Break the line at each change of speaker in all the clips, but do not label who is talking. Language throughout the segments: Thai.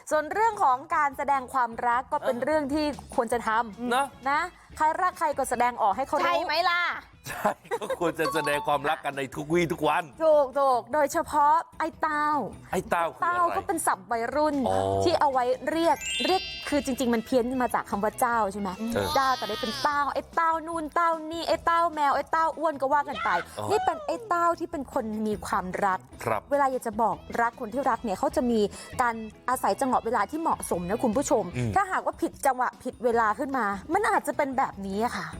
ส่วนเรื่องของการแสดงความรักก็เป็นเรื่องที่ควรจะทำนะใครรักใครก็แสดงออกให้เขารู้
ใช่ไหมล่ะ
ใช่ก็ควรจะแสดงความรักกันในทุกวี่ทุกวัน
ถูกโดยเฉพาะไอ้เต้าก็เป็นศัพท์วัยรุ่นที่เอาไว้เรียกคือจริงๆมันเพี้ยนมาจากคำว่าเจ้าใช่ไหมเจ้าแต่ได้เป็นเต้าไอ้เต้านู่นเต้านี่ไอ้เต้าแมวไอ้เต้าอ้วนก็ว่ากันไปนี่เป็นไอ้เต้าที่เป็นคนมีความรักเวลาอยากจะบอกรักคนที่รักเนี่ยเขาจะมีการอาศัยจังหวะเวลาที่เหมาะสมนะคุณผู้ชมถ้าหากว่าผิดจังหวะผิดเวลาขึ้นมามันอาจจะเป็นแบบนี้ค่ะ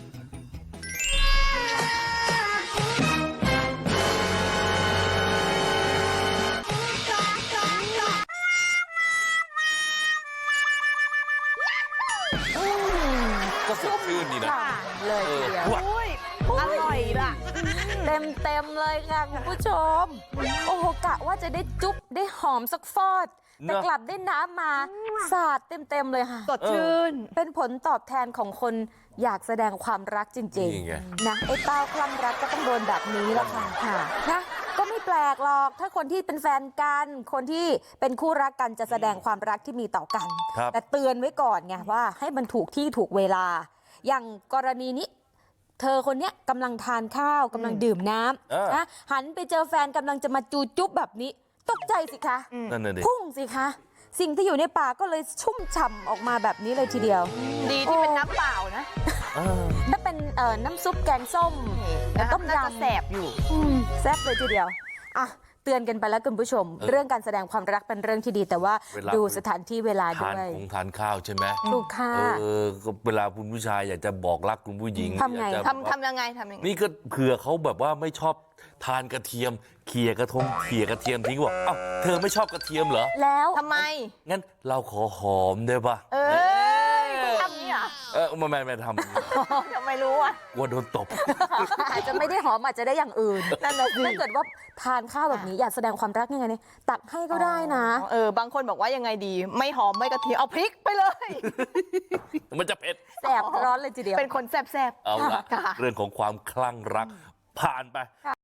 ก็สดชื่นดีนะ
เลยทีเดียว
อร่อยล่ะ
เต็มเลยค่ะคุณผู้ชมโอ้โหกะว่าจะได้จุ๊บได้หอมสักฟอดแต่กลับได้น้ำมาสาดเต็มเลยค่ะ
สดชื่น
เป็นผลตอบแทนของคนอยากแสดงความรักจริงๆนะไอ้เต้าคลั่งรักก็ต้องโดนแบบนี้แหละค่ะนะก็ไม่แปลกหรอกถ้าคนที่เป็นแฟนกันคนที่เป็นคู่รักกันจะแสดงความรักที่มีต่อกันแต่เตือนไว้ก่อนไงว่าให้มันถูกที่ถูกเวลาอย่างกรณีนี้เธอคนนี้กำลังทานข้าวกำลังดื่มน้ำนะหันไปเจอแฟนกำลังจะมาจูจุ๊บแบบนี้ตกใจสิคะพุ่งสิคะสิ่งที่อยู่ในปากก็เลยชุ่มฉ่ำออกมาแบบนี้เลยทีเดียว
ดีที่เป็นน้ำเปล่านะ
ถ้าเป็นน้ำซุปแกงส้มต้มยำ
แสบอยู่
แซ่บเลยทีเดียวอ่ะเตือนกันไปแล้วคุณผู้ชมเรื่องการแสดงความรักเป็นเรื่องที่ดีแต่ว่าดูสถานที่เวลาด้วย
ทานข้าวใช่ไหม
ถูกค่ะ
เวลาคุณผู้ชายอยากจะบอกรักคุณผู้หญิง
ทำไง
ทำยังไง
นี่ก็เผื่อเขาแบบว่าไม่ชอบทานกระเทียมเขี่ยกระเทียมทิ้งบอกอ้าวเธอไม่ชอบกระเทียมเหรอ
แล้ว
ทำไม
งั้นเราขอหอมได้ปะ
ทำนี่อ่ะ
ไม่ทำ
ยังไม่รู้อ่ะ
กลัวโดนตบ
อาจจะไม่ได้หอมอาจจะได้อย่างอื่นนั่นแหละถ้าเกิดว่าทานข้าวแบบนี้อยากแสดงความรักยังไงเนี่ยตักให้ก็ได้นะ
บางคนบอกว่ายังไงดีไม่หอมไม่กระเทียมเอาพริกไปเลย
มันจะเผ็ด
แสบร้อนเลยทีเดียว
เป็นคนแสบ
เอาละเรื่องของความคลั่งรักผ่านไป